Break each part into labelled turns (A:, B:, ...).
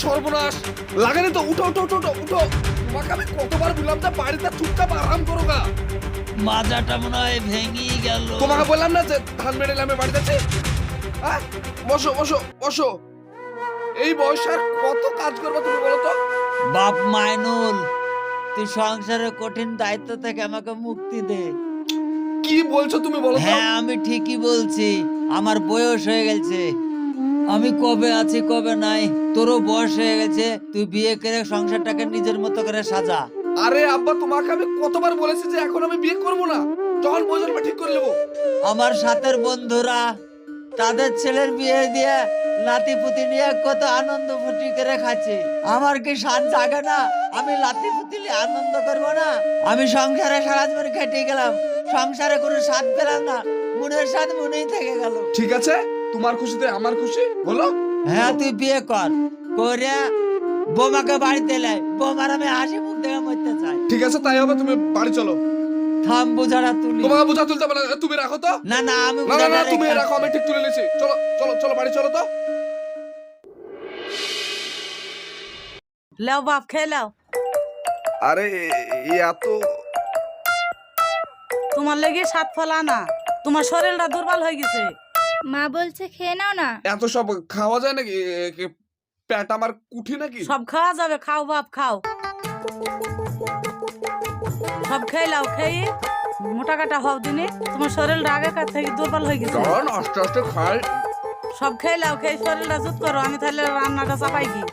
A: সর্বনাশ লাগানি তো, উঠো উঠো উঠো উঠো উঠো। তোমাকে আমি কতবার বললাম যে বাড়িতে চুপচাপ আরাম করো গা।
B: মাজাটা মনে হয় ভেঙেই গেল।
A: তোমাকে বললাম না যে ধান মেরে আমি বাড়িতে আছি। হ্যাঁ, বসো বসো বসো। এই বয়সে আর কত কাজ করবে তুমি বলো তো?
B: বাপ মাইনুল, তুই সংসারের কঠিন দায়িত্ব থেকে আমাকে মুক্তি দে।
A: কি বলছো তুমি বলো তো?
B: হ্যাঁ, আমি ঠিকই বলছি। আমার বয়স হয়ে গেছে, আমি কবে আছি কবে নাই। তোরও বয়স হয়ে গেছে, তুই বিয়ে করে সংসারটাকে নিজের মতো করে সাজা।
A: আরে আব্বা, তোমাকে আমি কতবার বলেছি যে এখন আমি বিয়ে করবো না, যখন প্রয়োজন ঠিক করে নেবো।
B: আমার সাথের বন্ধুরা তাদের ছেলের বিয়ে দিয়ে লাতি পুতি নিয়ে কত আনন্দ ফুটি করে খাচ্ছে। আমার কি সাত জাগে না? আমি লাতি পুতি নিয়ে আনন্দ করবো না? আমি সংসারে সারা জীবন খেটে গেলাম, সংসারে কোনো স্বাদ পেলাম না, মনের স্বাদ মনেই থেকে গেল।
A: ঠিক আছে, তোমার খুশিতে আমার খুশি, বলো।
B: হ্যাঁ, তুই বিয়ে কর, করে বোমাকে বাড়িতে লাই। বোমার আমি হাসি মুখ দেখে মরতে চাই।
A: ঠিক আছে, তাই হবে। তুমি বাড়ি চলো।
B: থাম, বোঝাটা তুলি।
A: তোমাকে বোঝা তুলতে পারে, তুমি রাখো তো।
B: না না, আমি
A: না না না,
B: বোঝাটা
A: তুমি
B: রেখে
A: রাখো, আমি
B: আসছি।
A: ঠিক তুলে নিয়েছি। চলো চলো চলো, বাড়ি চলো তো।
C: লাও বাপ, খেয়ে লাও।
A: আরে এত
C: তোমার লেগে সাত ফল আনা, তোমার শরীরটা দুর্বল হয়ে গেছে।
D: মা বলছে খেয়ে নাও না।
A: এত সব খাওয়া যায় নাকি? পেট আমার কুঠি নাকি?
C: সব খাওয়া যাবে, খাও বাপ খাও। সব খেয়ে লাও, খেয়ে মোটা কাটা হও দিনে। তোমার শরীরটা আগেকার থেকে দুর্বল হয়ে গেছে।
A: কারণ আস্তে আস্তে খাই।
C: সব খেয়ে লাও, খেয়ে শরীরটা জুত করো। আমি তাহলে রান্নাটা চাপাই কি।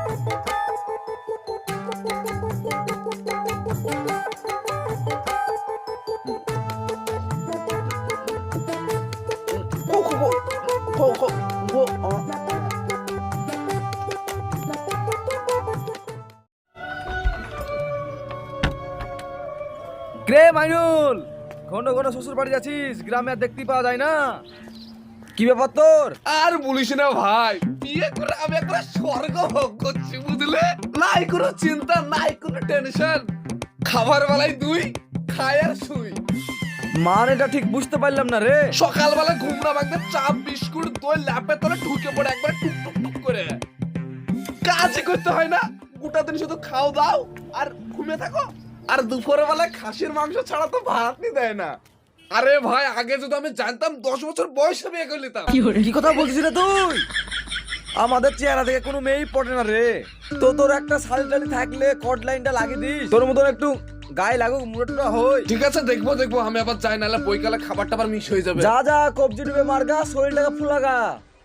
E: রে মাইনুল, ঘন ঘন শ্বশুর বাড়ি যাচ্ছিস, গ্রামে আর দেখতে পাওয়া যায় না। কি ব্যাপার তোর?
A: আর বলিস না ভাই, বিয়ে করে আমি একবার স্বর্গ ভোগ করছি, বুঝলে? নাই কোনো চিন্তা, নাই কোনো টেনশন। খাবার বেলায় দুই, খাই আর শুই।
E: মানেটা ঠিক বুঝতে পারলাম না রে।
A: সকালবেলা ঘুম না ভাঙতে চা বিস্কুট দই ল্যাপের তলে ঢুকে পড়ে একবার টুক টুক টুক করে। কাজই করতে হয় না, গোটা দিন শুধু খাও দাও আর ঘুমিয়ে থাকো। আর দুপুরের বেলায় খাসির মাংস ছাড়া তো ভাতই দেয় না। আরে ভাই, আগে যদি আমি জানতাম 10 বছর বয়সে বিয়ে করে নিতাম।
E: কি কথা বলছিস রে তুই? আমাদের চেহারা থেকে কোনো মেয়েই পড়ে না রে। তো তোর একটা শাড়ি টাড়ি থাকলে কট লাইনটা লাগিয়ে দিস, তোর মতন একটু গায়ে লাগুক, মুড়োটা হই।
A: ঠিক আছে, দেখবো দেখবো। আমি আবার যাই, নাহলে বইকালে খাবার টাবার মিস হয়ে যাবে।
E: যা যা, কবজি ডুবে মারগা, শরীরটাকে ফুলাগা।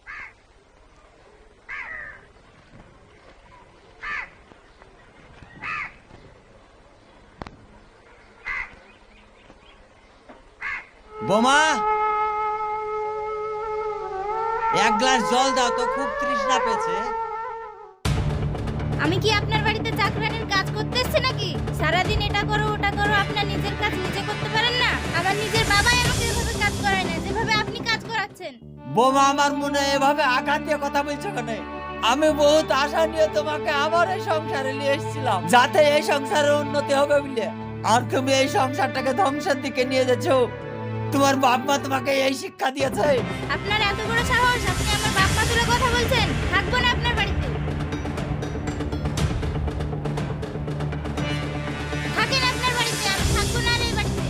B: বোমা, এক গ্লাস জল দাও তো, খুব তৃষ্ণা পেয়েছে।
D: আমি কি আপনার বাড়িতে চাকরানির কাজ করতে এসেছি নাকি? সারাদিন এটা করো ওটা করো, আপনার নিজের কাজ নিজে করতে পারেন না? আমার নিজের বাবাই আমাকে এভাবে কাজ করায় না যেভাবে আপনি কাজ করাচ্ছেন।
B: বোমা, আমার মনে এভাবে আঘাত দিয়ে কথা বলছো কেন? আমি বহুত আশা নিয়ে তোমাকে আমার এই সংসারে নিয়ে এসেছিলাম, যাতে এই সংসারের উন্নতি হবে বলে। আর তুমি এই সংসারটাকে ধ্বংসের দিকে নিয়ে যাচ্ছ। তোমার বাপ মা তোমাকে এই শিক্ষা দিয়েছে?
D: আপনার এত বড় সাহস, আপনি আমার বাপ মা তুলে কথা বলছেন? থাকবো না আপনার বাড়িতে। থাকেন আপনার বাড়িতে, আমি থাকবো না আর এই বাড়িতে।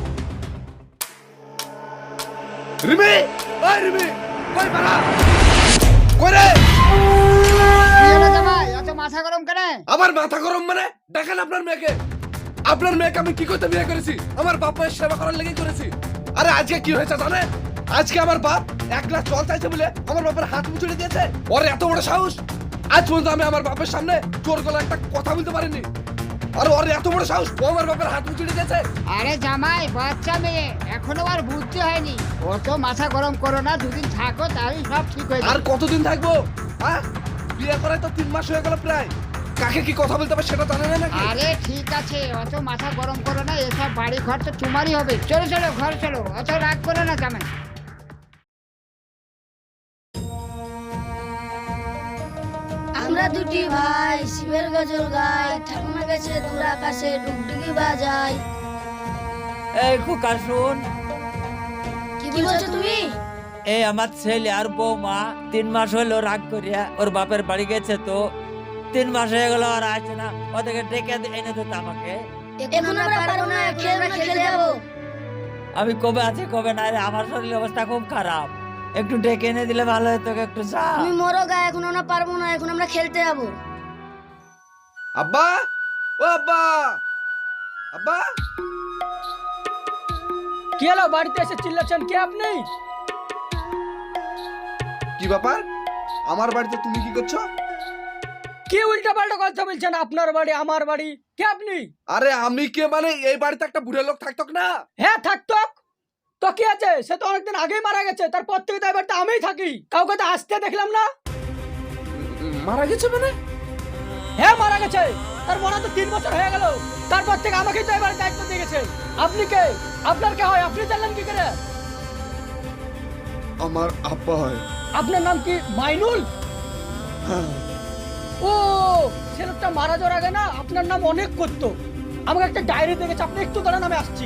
A: রিমি, ওই রিমি, কই পারা? কই রে?
F: এত মাথা গরম কেন?
A: আমার মাথা গরম মানে? দেখেন আপনার মেয়েকে। আপনার মেয়েকে আমি কি করতে বিয়ে করেছি? আমার বাপ মায়ের সেবা করার লেগে করেছি। আরে আজকে কি হয়েছে জানেন? আজকে আমার বাপ 1 গ্লাস জল চাইছে বলে আমার বাপের হাত মুচড়ে দিয়েছে। ওর এত বড় সাহস! আজ পর্যন্ত আমি আমার বাপের সামনে জোর গলায় একটা কথা বলতে পারিনি। আর ওর এত বড় সাহস, ও আমার বাপের হাত মুচড়ে দিয়েছে।
F: আরে জামাই, বাচ্চা মেয়ে, এখনো আর বুঝতে হয়নি। অত মাথা গরম করো না, দুদিন থাকো তাহলেই সব ঠিক হয়ে
A: আর
F: যাবে।
A: কতদিন থাকবো? হ্যাঁ, বিয়ে করায় তো 3 মাস হয়ে গেল প্রায়। কাকে কি কথা বলতে হবে সেটা জানে না নাকি?
F: আরে ঠিক আছে, অত মাথা গরম করো না, এসব বাড়ি ঘর তো তোমারই হবে। চলো চলো ঘর চলো, অত রাগ করো না জামাই।
G: আমরা দুটি ভাই শিবের গজল গাই, ঠাকুমার কাছে দূর আকাশে ডুগডুগি বাজাই।
B: এই খোকা শুন,
G: কি বলছো তুমি?
B: এই আমার ছেলে আর বৌমা 3 মাস হলো রাগ করিয়া ওর বাপের বাড়ি গেছে, তো 3 মাস হয়ে গেল আর আসছে না, ওদেরকে ডেকে এনে দিত আমাকে।
G: এখন আমরা পারবো না, খেলতে যাবো।
B: আমি কবে আছি কবে নাই রে, আমার শরীরের অবস্থা খুব খারাপ, একটু ডেকে এনে দিলে ভালো হতো। একটু যা।
G: তুমি মরো গা, এখন আমরা পারবো না, এখন আমরা খেলতে যাবো।
A: আব্বা, ও আব্বা, আব্বা,
H: কি হলো, বাড়িতে এসে চিল্লাচ্ছেন কে আপনি?
A: কি ব্যাপার? আমার বাড়িতে তুমি কি করছো?
H: কি উল্টা পাল্টা কথা বলছেন? আপনার বাড়ি আমার বাড়ি, কে আপনি?
A: আরে আমি কে মানে এই বাড়িতে একটা বুড়ো লোক থাকতো না?
H: হ্যাঁ থাকতো তো কি আছে, সে তো অনেকদিন আগেই মারা গেছে, তারপর থেকে তো এই বাড়িতে আমিই থাকি, কাউকে তো আসতে দেখলাম না।
A: মারা গেছে মানে?
H: হ্যাঁ মারা গেছে, তার মনে তো 3 বছর হয়ে গেল, তারপর থেকে আমাকেই তো এবার দায়িত্ব দিয়ে গেছে। আপনি কে? আপনার কে হয়? আপনি জানলেন কি করে?
A: আমার আব্বা হয়।
H: আপনার নাম কি? মাইনুল? ও, ছেলেটা মারা যাওয়ার আগে না আপনার নাম অনেক করতো, আমাকে একটা ডায়েরি দেখেছে। আপনি একটু দাঁড়ান, আমি আসছি।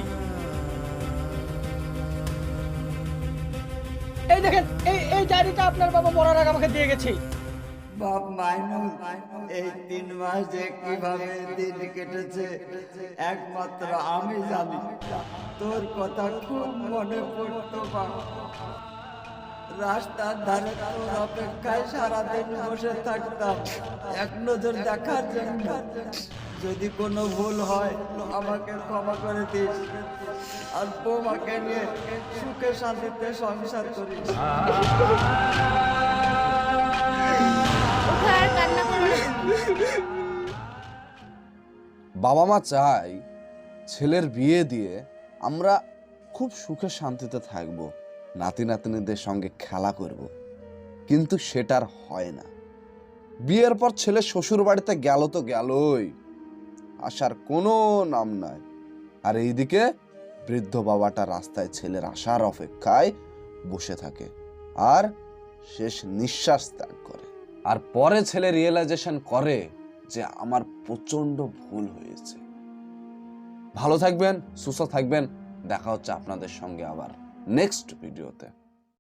H: এই দেখেন, এই ডায়েরিটা আপনার বাবা মরার আগে আমাকে দিয়ে গেছে।
B: বাপ মাইনুল, এই 3 মাস যে কিভাবে দিন কেটেছে একমাত্র আমি জানি। তোর কথা খুব মনে পড়তো বাপ। রাস্তার ধারে তোর অপেক্ষায় সারাদিন বসে থাকতাম এক নজর দেখার জন্য। যদি কোনো ভুল হয় আমাকে ক্ষমা করে দিস, আর বৌমাকে নিয়ে সুখে শান্তিতে সংসার করিস।
D: ওঠো আর কান্না করো না।
A: বাবা মা চাই ছেলের বিয়ে দিয়ে আমরা খুব সুখে শান্তিতে থাকবো, নাতি নাতনিদের সঙ্গে খেলা করব, কিন্তু সেটার হয় না। বিয়ের পর ছেলে শ্বশুর বাড়িতে গেল তো গেলই, আসার কোনো নাম নাই। আর এইদিকে বৃদ্ধ বাবাটা রাস্তায় ছেলের আসার অপেক্ষায় বসে থাকে আর শেষ নিঃশ্বাস ত্যাগ করে। আর পরে ছেলে রিয়েলাইজেশন করে যে আমার প্রচন্ড ভুল হয়েছে। ভালো থাকবেন, সুস্থ থাকবেন, দেখা হচ্ছে আপনাদের সঙ্গে আবার নেক্সট ভিডিওতে।